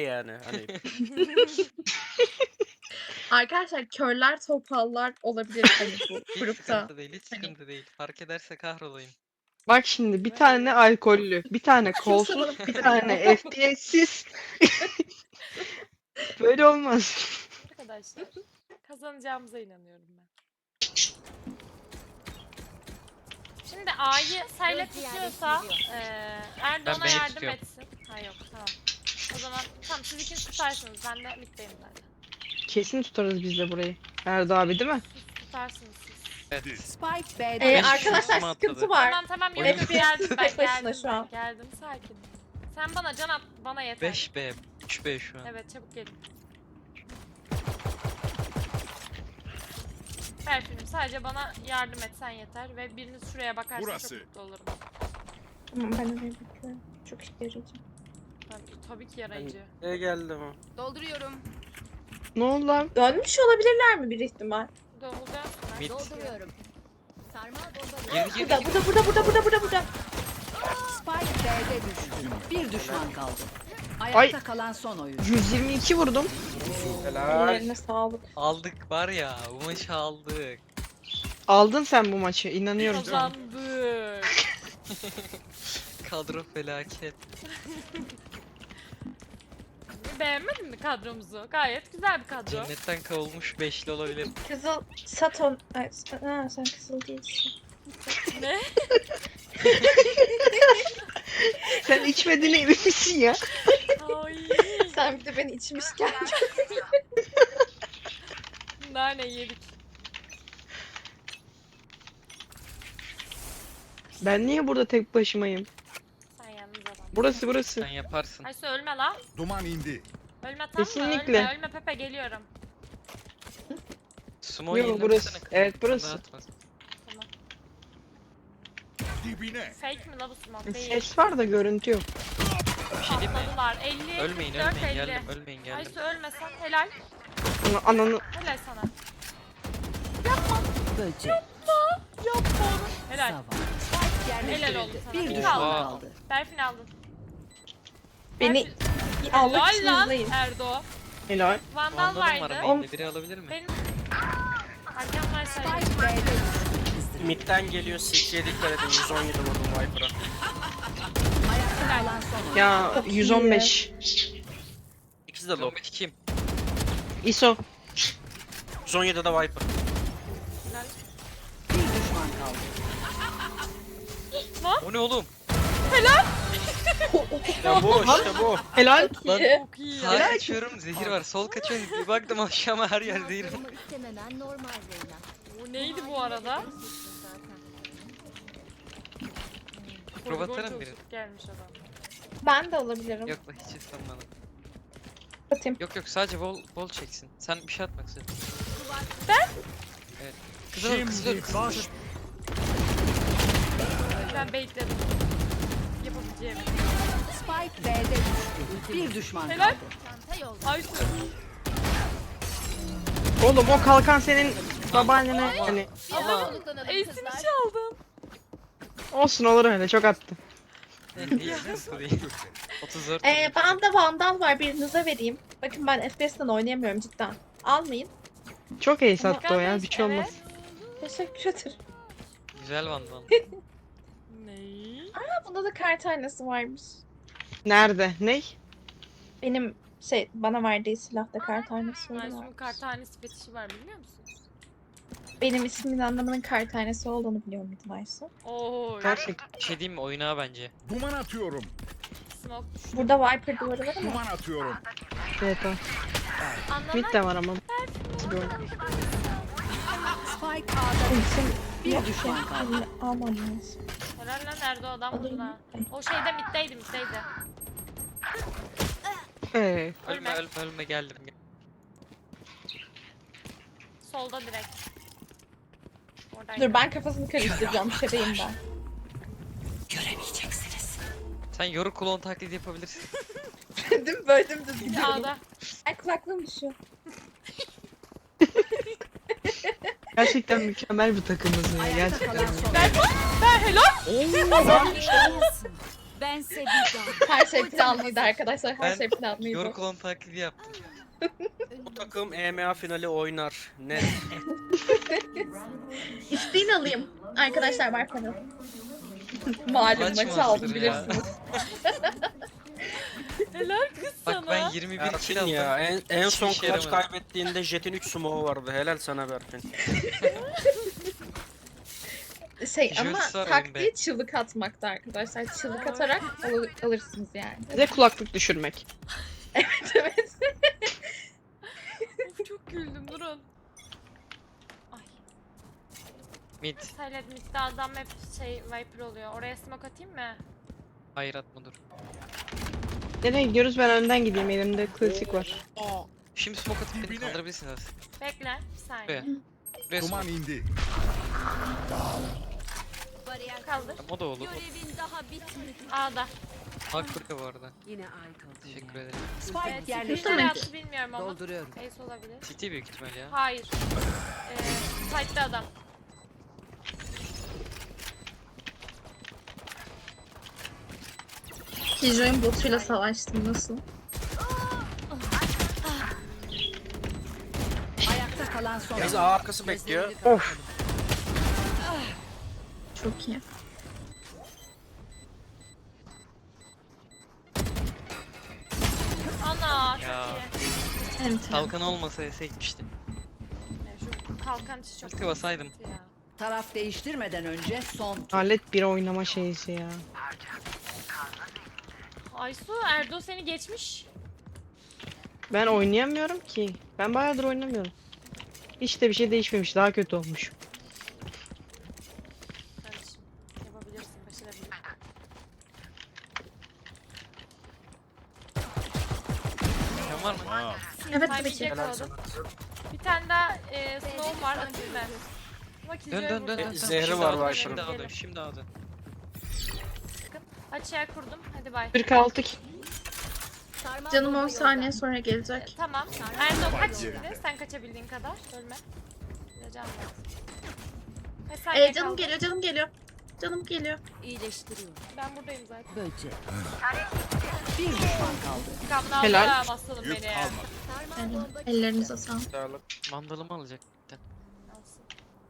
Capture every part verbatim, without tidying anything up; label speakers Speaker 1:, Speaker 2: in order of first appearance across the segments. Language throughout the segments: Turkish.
Speaker 1: yani hani.
Speaker 2: Arkadaşlar körler topallar olabilir hani bu
Speaker 3: Hiç
Speaker 2: grupta.
Speaker 3: sıkıntı değil, hiç
Speaker 2: Hani-
Speaker 3: sıkıntı değil. Fark ederse kahrolayım.
Speaker 4: Bak şimdi bir
Speaker 3: Ne
Speaker 4: tane
Speaker 3: oldu?
Speaker 4: alkollü, bir tane
Speaker 2: Şu
Speaker 4: kolsuz,
Speaker 2: sanırım
Speaker 4: bir
Speaker 2: bir
Speaker 4: tane F P S'siz. Böyle olmaz.
Speaker 5: Arkadaşlar kazanacağımıza inanıyorum ben. Şimdi A'yı Sayla tutuyorsa eee Erdoğan'a
Speaker 3: B'yi
Speaker 5: yardım
Speaker 3: tutuyorum.
Speaker 5: etsin. Ha yok tamam. O zaman tamam siz ikiniz tutarsınız. Ben de middeyim zaten.
Speaker 4: Kesin tutarız biz de burayı. Erdo abi değil mi?
Speaker 5: Siz tutarsınız siz.
Speaker 3: Evet.
Speaker 6: Spike
Speaker 2: Ee,
Speaker 6: B'de.
Speaker 3: Beş
Speaker 2: arkadaşlar
Speaker 3: şansıma
Speaker 2: sıkıntı
Speaker 3: atladı.
Speaker 2: var.
Speaker 5: Tamam tamam yok
Speaker 3: Oyun-
Speaker 5: yok geldim ben
Speaker 2: Tek başına
Speaker 5: geldim
Speaker 2: şu an.
Speaker 5: ben geldim sakin. Sen bana can at bana yeter.
Speaker 3: beş B, üç B şu an.
Speaker 5: Evet çabuk gelin. Berfin'im sadece bana yardım etsen yeter ve biriniz şuraya bakarsa
Speaker 7: Burası.
Speaker 5: çok mutlu olurum.
Speaker 2: Tamam ben oraya bakıyorum. Çok işe yarayacak.
Speaker 5: Tabii, tabii ki
Speaker 1: Hani
Speaker 5: yarayıcı.
Speaker 1: ne geldi mi?
Speaker 6: Dolduruyorum.
Speaker 4: Ne oldu lan?
Speaker 2: Dönmüş olabilirler mi bir ihtimal?
Speaker 5: Doğulacağım.
Speaker 3: Mid.
Speaker 6: Dolduruyorum. Sarmal bomba.
Speaker 3: Girdi girdi.
Speaker 2: Burada burada burada burada burada burada burada.
Speaker 6: Spike B'de düştü. Bir düşman kaldı. Ayakta kalan son oyuncu.
Speaker 4: yüz yirmi iki vurdum.
Speaker 1: Helal.
Speaker 2: Ellerine sağlık.
Speaker 3: Aldık var ya, bu maçı aldık.
Speaker 4: Aldın sen bu maçı, inanıyorum sana.
Speaker 5: Kazandık.
Speaker 3: Kadro felaket.
Speaker 5: Beğenmedin mi kadromuzu? Gayet güzel bir kadro.
Speaker 3: Cennetten kavulmuş beşli olabilir.
Speaker 2: Kızıl Saton. Ay, ha, sen kızıl değilsin.
Speaker 5: Ne?
Speaker 4: Sen içmediğine emin misin ya?
Speaker 5: Ay.
Speaker 2: Sen bir de beni içmişken.
Speaker 5: Nane yedik.
Speaker 4: Ben niye burada tek başımayım?
Speaker 5: Sen yalnız adam.
Speaker 4: Burası burası.
Speaker 3: Sen yaparsın.
Speaker 5: Aysu ölme lan.
Speaker 7: Duman indi.
Speaker 5: Ölme tamam mı?
Speaker 4: Kesinlikle.
Speaker 5: Ölme, ölme Pepe geliyorum.
Speaker 3: Sumo
Speaker 4: Yok,
Speaker 3: yayınlamasana
Speaker 4: burası.
Speaker 3: kızım,
Speaker 4: Evet,
Speaker 3: sen
Speaker 4: burası.
Speaker 3: dağıtma.
Speaker 5: Tamam.
Speaker 7: Dibine.
Speaker 5: Fake mi la bu smoke? Değil.
Speaker 4: Ses var da görüntü yok.
Speaker 3: Bir şey diyeyim mi?
Speaker 5: Patladılar. elli,
Speaker 3: Ölmeyin
Speaker 5: kırk dört,
Speaker 3: ölmeyin
Speaker 5: elli.
Speaker 3: geldim ölmeyin geldim.
Speaker 5: Aysu ölmesen helal.
Speaker 4: Ana- Ananı
Speaker 5: Helal sana.
Speaker 6: Böcek.
Speaker 5: Yapma onu. Helal.
Speaker 6: Savan. Spike
Speaker 5: Helal oldu
Speaker 6: yerleştirildi.
Speaker 5: sana.
Speaker 6: Bir
Speaker 5: İki
Speaker 6: düşman
Speaker 3: kaldı.
Speaker 6: kaldı.
Speaker 5: Berfin aldın.
Speaker 2: Beni
Speaker 5: Berfin-
Speaker 2: almak için
Speaker 5: Helal lan
Speaker 2: hızlıyım.
Speaker 5: Erdo.
Speaker 4: helal.
Speaker 5: Vandal
Speaker 3: Vandalım var
Speaker 5: vardı.
Speaker 3: main'de, biri alabilir mi?
Speaker 5: Benim... Arkamdan sayı.
Speaker 6: Spike B'de düştü.
Speaker 1: Mid'den geliyor City'ye dikkat edin. yüz on yedi vurdum Viper'a.
Speaker 6: Ayakta kalan son oyuncu.
Speaker 4: Ya
Speaker 2: Çok iyi.
Speaker 4: yüz on beş.
Speaker 1: İkisi de low.
Speaker 3: Lombik kim?
Speaker 4: I S O.
Speaker 1: yüz on yedi de Viper.
Speaker 5: Helal.
Speaker 6: Bir düşman kaldı.
Speaker 3: O ne oğlum?
Speaker 1: İşte bu işte bu.
Speaker 4: Helal.
Speaker 3: Lan
Speaker 5: Çok iyi.
Speaker 3: sağ kaçıyorum zehir var, sol kaçıyorum bir baktım aşağıma her yer zehir var.
Speaker 6: istemenen normal Reyna.
Speaker 5: Bu neydi bu arada?
Speaker 3: Prova
Speaker 5: Poligon
Speaker 3: atarım
Speaker 5: çok
Speaker 3: birini.
Speaker 5: gelmiş adam.
Speaker 2: Ben de alabilirim.
Speaker 3: Yok lan hiç ıslanmadım.
Speaker 2: Atayım.
Speaker 3: Yok yok sadece bol bol çeksin. Sen bir şey atmak istiyorsun.
Speaker 5: Ben?
Speaker 3: Evet. Kızılır kızılır
Speaker 7: baş.
Speaker 3: kızılır.
Speaker 5: Ben bekledim. Yapabileceğim.
Speaker 6: Spike B'de düştü. Bir düşman
Speaker 5: Helal.
Speaker 6: kaldı.
Speaker 5: Aysu.
Speaker 4: Oğlum o kalkan senin babaannene hani
Speaker 3: Ama
Speaker 5: Ace'ini çaldın.
Speaker 4: olsun olur öyle çok attı.
Speaker 3: değil sıkıntı değil. otuz dört.
Speaker 2: Ee, bende vandal var birinize vereyim. Bakın ben F P S'ten oynayamıyorum cidden. Almayın.
Speaker 4: Çok ace attı o ya bir şey olmaz.
Speaker 2: Teşekkür ederim.
Speaker 3: Güzel vandal.
Speaker 5: Ney?
Speaker 2: Ha, bunda da kart aynası varmış.
Speaker 4: Nerede? Ney?
Speaker 2: Benim şey bana verdiği silahta kart aynası var.
Speaker 5: Aysu'nun kartanesi fetişi var biliyor musun?
Speaker 2: Benim ismimin anlamının kart aynası olduğunu biliyor muydun Aysu?
Speaker 5: Oo.
Speaker 4: Gerçek.
Speaker 3: Bir şey diyeyim mi oyuna bence.
Speaker 7: Duman atıyorum.
Speaker 5: Smoke düştü.
Speaker 2: Burada Viper duvarı var ama.
Speaker 7: Duman atıyorum.
Speaker 4: Evet o.
Speaker 5: Anlamak
Speaker 4: Mid de var ama.
Speaker 6: Spike A'da
Speaker 2: Ultim
Speaker 6: bir düşman kaldı.
Speaker 2: almam lazım.
Speaker 5: Helal lan Erdo adam
Speaker 2: Alırım.
Speaker 5: vurdu ha. O şeyde middeydi middeydi.
Speaker 4: Ee,
Speaker 3: Ölme ölme ölme geldim.
Speaker 5: Solda direkt. Oradaydı.
Speaker 2: Dur ben kafasını karıştıracağım. Şebeyim ben.
Speaker 6: Göremeyeceksiniz.
Speaker 3: Sen yoru klon taklidi yapabilirsin.
Speaker 2: Değil mi? Böyle dümdüz gidiyorum.
Speaker 5: A'da.
Speaker 2: Ay kulaklığım düşüyor.
Speaker 4: gerçekten mükemmel bir takımız ya
Speaker 6: Ayakta
Speaker 4: gerçekten.
Speaker 6: kalan son
Speaker 5: Ben,
Speaker 6: oyuncu.
Speaker 5: ben helal.
Speaker 3: Oo lan.
Speaker 6: Bense bir daha.
Speaker 2: Her şey planlıydı arkadaşlar. Her
Speaker 3: Ben
Speaker 2: şey planlıydı.
Speaker 3: Yoru klon taklidi yaptım.
Speaker 1: Bu takım E M A finali oynar. Net.
Speaker 2: İsteğini alayım. Arkadaşlar var para. Malum
Speaker 3: Maç
Speaker 2: maçı
Speaker 3: mı
Speaker 2: aldım
Speaker 3: hazır ya?
Speaker 2: bilirsiniz.
Speaker 5: Helal kız
Speaker 3: Bak
Speaker 5: sana.
Speaker 3: ben yirmi bir kill
Speaker 1: Berfin
Speaker 3: aldım.
Speaker 1: ya en, en son
Speaker 3: Hiçbir işe
Speaker 1: clutch
Speaker 3: yaramadı.
Speaker 1: kaybettiğinde Jet'in üç smoke'u vardı. Helal sana Berfin.
Speaker 2: Şey
Speaker 3: Jöls
Speaker 2: ama
Speaker 3: var oyun
Speaker 2: taktiği
Speaker 3: be.
Speaker 2: çığlık atmakta arkadaşlar. Çığlık atarak al- alırsınız yani.
Speaker 4: Bize kulaklık düşürmek.
Speaker 2: Evet evet.
Speaker 5: Of, çok güldüm durun. Ay.
Speaker 3: Mid.
Speaker 5: Silent midde adam hep şey Viper oluyor. Oraya smoke atayım mı?
Speaker 3: Hayır atma dur.
Speaker 4: Nereye gidiyoruz? Ben önden gideyim. Elimde klasik var.
Speaker 3: Şimdi smoke atıp beni kaldırabilirsiniz.
Speaker 5: Bekle bir saniye.
Speaker 3: Buraya. Buraya
Speaker 7: Duman
Speaker 3: smoke.
Speaker 7: indi.
Speaker 6: Bariyer
Speaker 5: Kaldır.
Speaker 3: Tamam, o da olur.
Speaker 6: görevin daha bitmedi.
Speaker 5: A'da.
Speaker 3: Hak buraya bu arada.
Speaker 6: Yine ay kaldı.
Speaker 3: Teşekkür ederim.
Speaker 6: Spike
Speaker 5: Evet,
Speaker 6: yerleştirildi.
Speaker 5: nereye attı bilmiyorum ama.
Speaker 6: Dolduruyorum.
Speaker 5: Ace olabilir.
Speaker 3: City büyük ihtimal ya.
Speaker 5: Hayır. Ee, site'de adam.
Speaker 2: Kijo'nun botuyla savaştım nasıl?
Speaker 6: Ayakta kalan son.
Speaker 1: Biz A arkası bekliyor.
Speaker 4: Of.
Speaker 2: Çok iyi.
Speaker 5: Ana çok
Speaker 3: Ya.
Speaker 5: iyi.
Speaker 2: Evet.
Speaker 3: Kalkan olmasa ese gitmiştim.
Speaker 5: Yani şu kalkan işi çok
Speaker 3: Keşke basaydım.
Speaker 5: sıkıntı ya.
Speaker 6: Taraf değiştirmeden önce son tur.
Speaker 4: Alet bir oynama şeysi ya.
Speaker 5: Aysu Erdo seni geçmiş.
Speaker 4: Ben oynayamıyorum ki. Ben bayağıdır oynamıyorum. Hiç de bir şey değişmemiş. Daha kötü olmuş.
Speaker 5: Kardeşim yapabilirsin, başarabilirsin.
Speaker 3: Sen var mı?
Speaker 7: Aa,
Speaker 2: Evet
Speaker 5: Timing
Speaker 2: tabii ki.
Speaker 1: Helal
Speaker 5: yakaladım.
Speaker 1: sana.
Speaker 5: Bir tane daha e, snow var atayım ben. Ama
Speaker 3: Dön
Speaker 5: Kijo'ya
Speaker 3: dön dön
Speaker 5: vurdum.
Speaker 3: dön.
Speaker 1: Zehri
Speaker 3: Şimdi
Speaker 1: var
Speaker 3: A'da,
Speaker 1: Viper'ın.
Speaker 3: Şimdi A'da. Şimdi A'da.
Speaker 5: Açığa kurdum. Hadi bay.
Speaker 4: kırk altı ki.
Speaker 6: Sarmal
Speaker 2: Canım
Speaker 6: bomba
Speaker 2: on saniye
Speaker 6: yolda.
Speaker 2: sonra gelecek.
Speaker 5: Tamam. Erdo kaç şimdi? Sen kaçabildiğin kadar. Ölme. Bir de can ver. Kaç saniye
Speaker 2: Ee, canım
Speaker 5: kaldı?
Speaker 2: geliyor canım geliyor. Canım geliyor.
Speaker 6: İyileştiriyorum.
Speaker 5: Ben buradayım zaten.
Speaker 6: Böce. Bir düşman kaldı.
Speaker 5: Kaplan
Speaker 4: Helal.
Speaker 5: da basalım
Speaker 7: yük
Speaker 5: beni.
Speaker 7: kalmadı.
Speaker 6: Sarmal
Speaker 2: Yani
Speaker 6: bomba
Speaker 2: ellerinize sağlık.
Speaker 1: Sağlık.
Speaker 3: Mandalımı alacak.
Speaker 5: Alsın.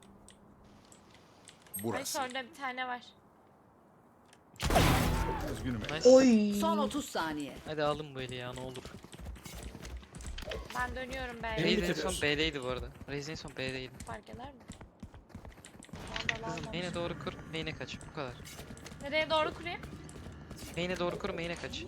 Speaker 5: Ay
Speaker 7: Burası.
Speaker 5: orada bir tane var.
Speaker 7: Üzgünüm.
Speaker 3: Nice.
Speaker 2: Oy.
Speaker 6: son otuz saniye.
Speaker 3: Hadi alın böyle ya ne olur.
Speaker 5: Ben dönüyorum be.
Speaker 1: Beni
Speaker 3: Raze en
Speaker 1: bitiriyorsun.
Speaker 3: son B'deydi bu arada. Raze en son B'deydi.
Speaker 5: Fark eder mi? Vallahi
Speaker 3: Kızım
Speaker 5: lazım.
Speaker 3: main'e doğru kur, main'e kaç. Bu kadar.
Speaker 5: Nereye doğru kurayım?
Speaker 3: Main'e doğru kur, main'e kaç.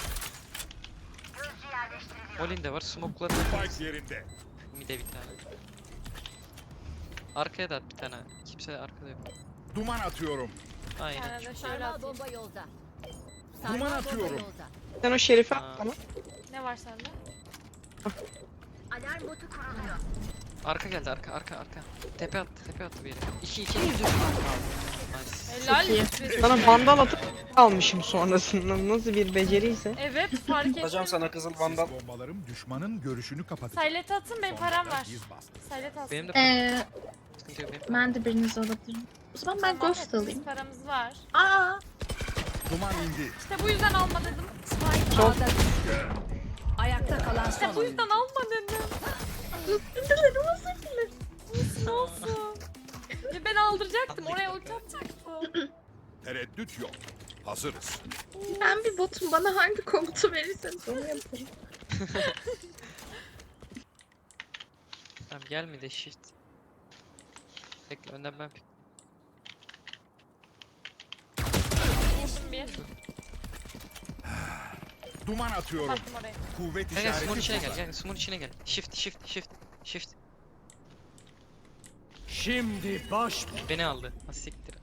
Speaker 3: Olin de var, smoke'la
Speaker 7: Spike yerinde.
Speaker 3: mid'e bir tane. Arkaya da at bir tane. Kimse arkada yok.
Speaker 7: Duman atıyorum.
Speaker 5: Bir
Speaker 3: Aynen.
Speaker 5: tane de şöyle
Speaker 6: Sarmal
Speaker 5: atayım.
Speaker 6: bomba yolda.
Speaker 7: Duman
Speaker 6: bomba
Speaker 7: atıyorum.
Speaker 6: yolda.
Speaker 4: Sen o şerifi
Speaker 3: Aa.
Speaker 4: at bana.
Speaker 5: Ne var sende?
Speaker 6: Alarm botu kuruluyor.
Speaker 3: Arka geldi, arka, arka, arka. Tepe attı, tepe attı bir yere. iki iki.
Speaker 6: Bir düşman kaldı.
Speaker 3: Nice.
Speaker 5: Helal.
Speaker 2: iyi.
Speaker 5: olsun.
Speaker 4: Sana vandal atıp almışım sonrasında. Nasıl bir beceriyse.
Speaker 5: Evet fark ettim.
Speaker 1: Atacağım sana kızıl vandal.
Speaker 7: Sis bombalarım düşmanın görüşünü kapatacak.
Speaker 5: Silent atın benim
Speaker 7: Sonra
Speaker 5: param
Speaker 7: da
Speaker 5: var.
Speaker 7: biz bastı.
Speaker 5: Silent alsın.
Speaker 3: Benim de
Speaker 2: Ee,
Speaker 3: sıkıntı yok benim.
Speaker 2: ben de birinizi alabilirim. O zaman ben
Speaker 5: Tamam,
Speaker 2: ghost
Speaker 5: hepimiz
Speaker 2: alayım.
Speaker 5: paramız var.
Speaker 2: Aa,
Speaker 7: Duman indi.
Speaker 5: İşte bu yüzden alma dedim.
Speaker 6: Spike
Speaker 4: Sol.
Speaker 6: A'da düştü. Ayakta kalan
Speaker 5: İşte
Speaker 6: son
Speaker 5: bu yüzden
Speaker 6: oyuncu.
Speaker 5: alma dedim.
Speaker 2: özür dilerim özür dilerim.
Speaker 5: Olsun olsun. Ya ben aldıracaktım oraya ulti atacaktım.
Speaker 7: Tereddüt yok. Hazırız.
Speaker 2: Ben bir botum, bana hangi komutu verirseniz onu yaparım.
Speaker 3: Tamam gelmedi shift. Bekle önden ben pik.
Speaker 5: Vurdum bir.
Speaker 7: Duman atıyorum.
Speaker 5: Baktım oraya.
Speaker 7: Kuvvet
Speaker 3: Gel gel smoke'un
Speaker 7: işareti
Speaker 3: içine gel,
Speaker 7: burada.
Speaker 3: gel smoke'un içine gel. Shift, shift, shift, shift.
Speaker 7: Şimdi baş.
Speaker 3: Beni aldı. Ha siktir.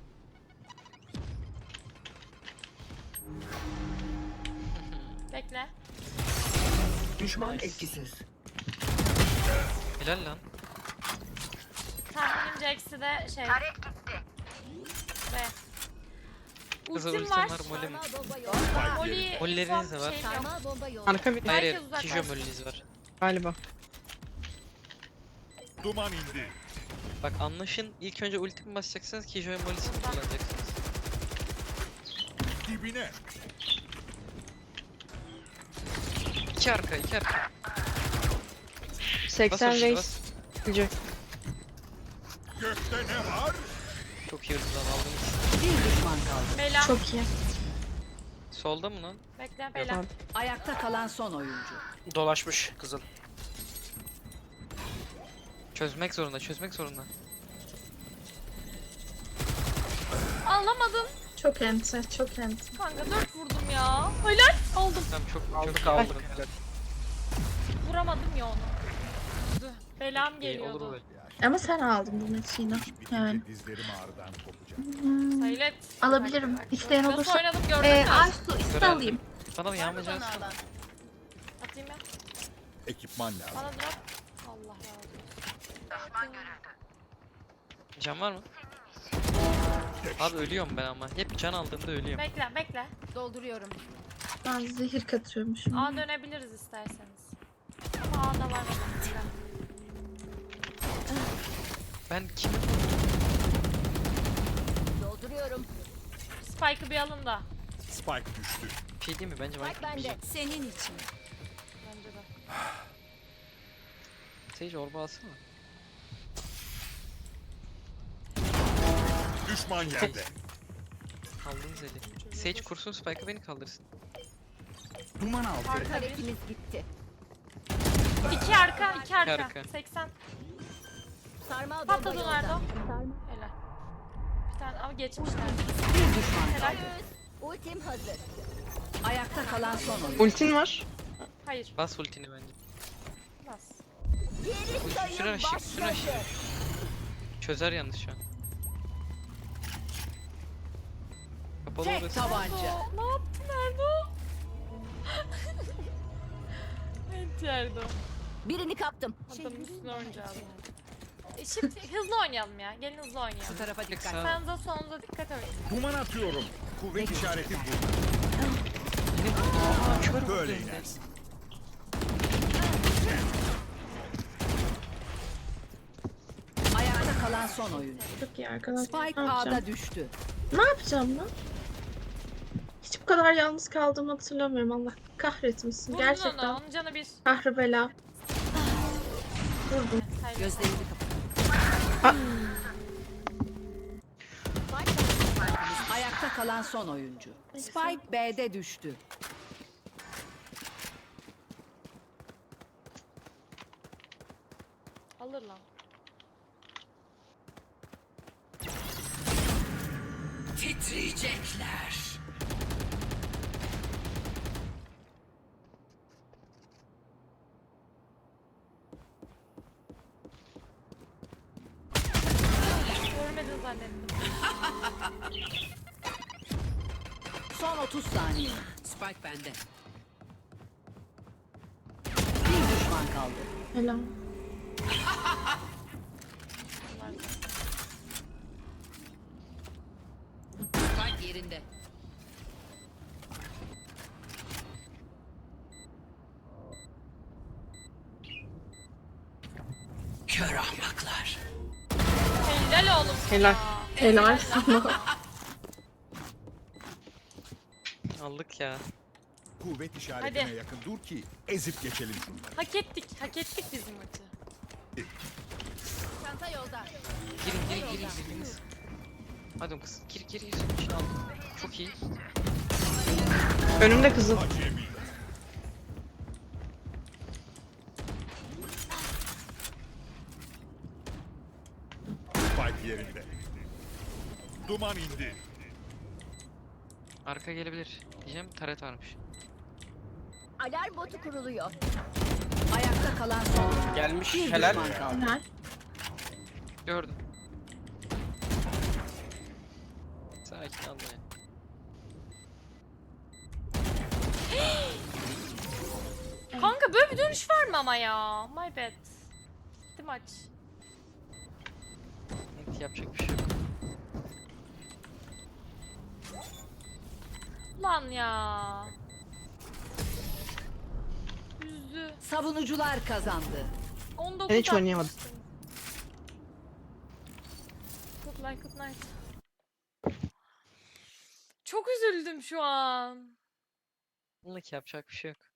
Speaker 5: Bekle.
Speaker 6: Düşman
Speaker 3: Nice.
Speaker 6: etkisiz.
Speaker 3: Helal lan.
Speaker 5: Tahminimce eksi de şey. Ve.
Speaker 3: Kızıl
Speaker 5: Ultim
Speaker 3: ultim
Speaker 5: var.
Speaker 3: var, molim.
Speaker 6: Sarmal bomba yolda.
Speaker 5: Molly
Speaker 3: Molleriniz de var.
Speaker 5: şeyim yok.
Speaker 6: Sarmal bomba yolda.
Speaker 4: Arka bir
Speaker 3: Hayır
Speaker 5: Herkes
Speaker 3: hayır,
Speaker 5: uzak
Speaker 3: Kijo
Speaker 5: kalsın.
Speaker 3: moliniz var.
Speaker 4: galiba.
Speaker 7: Duman indi.
Speaker 3: Bak anlaşın, ilk önce ultimi basacaksınız, Kijo'ya molisini
Speaker 5: Buradan.
Speaker 3: kullanacaksınız.
Speaker 7: Dibine.
Speaker 3: İki arka, iki arka. Bas
Speaker 4: seksen
Speaker 3: hoş,
Speaker 4: reis.
Speaker 3: bas.
Speaker 4: Gücü.
Speaker 7: Gökte ne var?
Speaker 3: Çok iyi hızdan aldınız.
Speaker 6: Bir düşman kaldı.
Speaker 5: Bela.
Speaker 2: Çok iyi.
Speaker 3: Solda mı lan?
Speaker 5: Bekle Bela.
Speaker 4: Tamam.
Speaker 6: Ayakta kalan son oyuncu.
Speaker 1: Dolaşmış kızıl.
Speaker 3: Çözmek zorunda, çözmek zorunda.
Speaker 5: Alamadım.
Speaker 2: Çok enti. Çok enti.
Speaker 5: Kanka dört vurdum ya. Helal. Aldım.
Speaker 3: Tamam çok
Speaker 1: Aldık
Speaker 3: çok
Speaker 1: aldık.
Speaker 5: Vuramadım ya onu. Dur, Belam
Speaker 3: iyi olur
Speaker 5: geliyordu.
Speaker 3: böyle.
Speaker 2: Ama sen aldın bu maçı yine. Yani.
Speaker 7: Dizlerim ağrıdan kopacak.
Speaker 2: Hmm,
Speaker 5: Saylet.
Speaker 2: alabilirim.
Speaker 5: Bak, bak.
Speaker 2: İsteyen
Speaker 5: Nasıl
Speaker 2: olursa.
Speaker 5: oynadım gördün
Speaker 2: Ee,
Speaker 5: mü?
Speaker 2: Aysu iste
Speaker 3: Görelim.
Speaker 2: alayım.
Speaker 3: Bana bir yağmacı
Speaker 5: Atayım ya.
Speaker 7: Ekipman lazım.
Speaker 5: Bana drop. Allah razı olsun.
Speaker 3: Can var mı? Abi ölüyorum ben ama. Hep can aldığımda ölüyorum.
Speaker 5: Bekle bekle.
Speaker 6: Dolduruyorum.
Speaker 2: Ben zehir katıyormuşum.
Speaker 5: A dönebiliriz isterseniz. Ama A'da var mı?
Speaker 3: Ben kimi
Speaker 6: Dolduruyorum.
Speaker 5: Spike'ı bir alın da.
Speaker 7: Spike düştü.
Speaker 3: bir şey değil mi? Bence ben
Speaker 6: Bende. Senin için.
Speaker 5: Bence de.
Speaker 3: Sage orba alsana.
Speaker 7: Düşman yerde.
Speaker 3: Kaldınız eli. Sage kursun Spike'ı beni kaldırsın.
Speaker 7: Duman altı.
Speaker 5: Arka bir.
Speaker 6: Harekimiz gitti.
Speaker 5: İki arka, iki arka.
Speaker 3: arka.
Speaker 5: seksen.
Speaker 6: Sarmal bomba
Speaker 5: Patladı
Speaker 6: yolda.
Speaker 5: nerede o? Helal. Bir tane ama geçmişler.
Speaker 6: Bir düşman
Speaker 5: Helal.
Speaker 6: kaldı. Ultim hazır. Ayakta kalan son oyuncu.
Speaker 4: Ultin var.
Speaker 5: Hayır.
Speaker 3: Bas ultini bence.
Speaker 5: Bas.
Speaker 3: Üstüne aşık, üstüne aşık. Çözer yalnız şu an. Kapalı
Speaker 6: Tek
Speaker 3: orası.
Speaker 6: tabanca.
Speaker 5: Ne yaptı Erdo? Evet Erdo.
Speaker 6: Birini kaptım.
Speaker 5: Adamın üstüne oynayacağız yani. E şimdi hızlı oynayalım ya. Gelin hızlı oynayalım.
Speaker 6: Şu tarafa
Speaker 3: Tek
Speaker 6: dikkat.
Speaker 3: sağ.
Speaker 5: Sağınıza solunuza dikkat edin.
Speaker 7: Duman atıyorum. Kuvvet işareti burada.
Speaker 3: Beni vurdu. Aa kör vurdu.
Speaker 7: Böyle
Speaker 3: hem de.
Speaker 7: inersin.
Speaker 6: Ayakta kalan son oyuncu.
Speaker 2: Çok iyi arkadaşlar.
Speaker 6: Spike
Speaker 2: Ne yapacağım?
Speaker 6: A'da düştü.
Speaker 2: Ne yapacağım lan? Hiç bu kadar yalnız kaldığımı hatırlamıyorum. Allah kahretmesin.
Speaker 5: Vurdun
Speaker 2: Gerçekten.
Speaker 5: onu. Onun canı bir.
Speaker 2: Kahre bela. Vurdum.
Speaker 5: Hayır.
Speaker 6: Gözlerini kapat. Ayakta kalan son oyuncu. Spike B'de düştü.
Speaker 5: Alır lan.
Speaker 6: Titriyecekler.
Speaker 5: Görmedin zannettim.
Speaker 6: Son otuz saniye. Spike bende. Bir düşman kaldı.
Speaker 2: Helal.
Speaker 6: Spike yerinde. Kör ahmaklar.
Speaker 5: Helal oğlum.
Speaker 4: Helal.
Speaker 5: Ya.
Speaker 2: Helal sana.
Speaker 3: Aldık ya.
Speaker 7: Kuvvet işaretine
Speaker 5: Hadi.
Speaker 7: yakın dur ki ezip geçelim şunları.
Speaker 5: Hak ettik. Hak ettik bizim maçı.
Speaker 6: Çanta yolda.
Speaker 3: Girin girin girin girdiniz. Hadi oğlum kız. Gir gir gir. Şunu aldım. Çok iyi.
Speaker 4: Önümde kızıl.
Speaker 7: Acemi. Spike yerinde. Duman indi.
Speaker 3: Arka gelebilir. Diyeceğim taret varmış.
Speaker 6: Alarm botu kuruluyor. Ayakta kalan son oyuncu.
Speaker 1: Gelmiş
Speaker 6: Bir
Speaker 1: helal.
Speaker 6: düşman kaldı.
Speaker 2: Helal.
Speaker 3: Gördüm. Sakin ol ya.
Speaker 5: Kanka böyle bir dönüş var mı ama ya? My bad. Gitti maç.
Speaker 3: Evet, yapacak bir şey yok.
Speaker 5: Lan ya. Üzdü.
Speaker 6: Savunucular kazandı.
Speaker 5: on dokuz
Speaker 4: Ben hiç oynayamadım.
Speaker 5: atmıştım. Good luck, good night. Çok üzüldüm şu an.
Speaker 3: Bununla ki yapacak bir şey yok.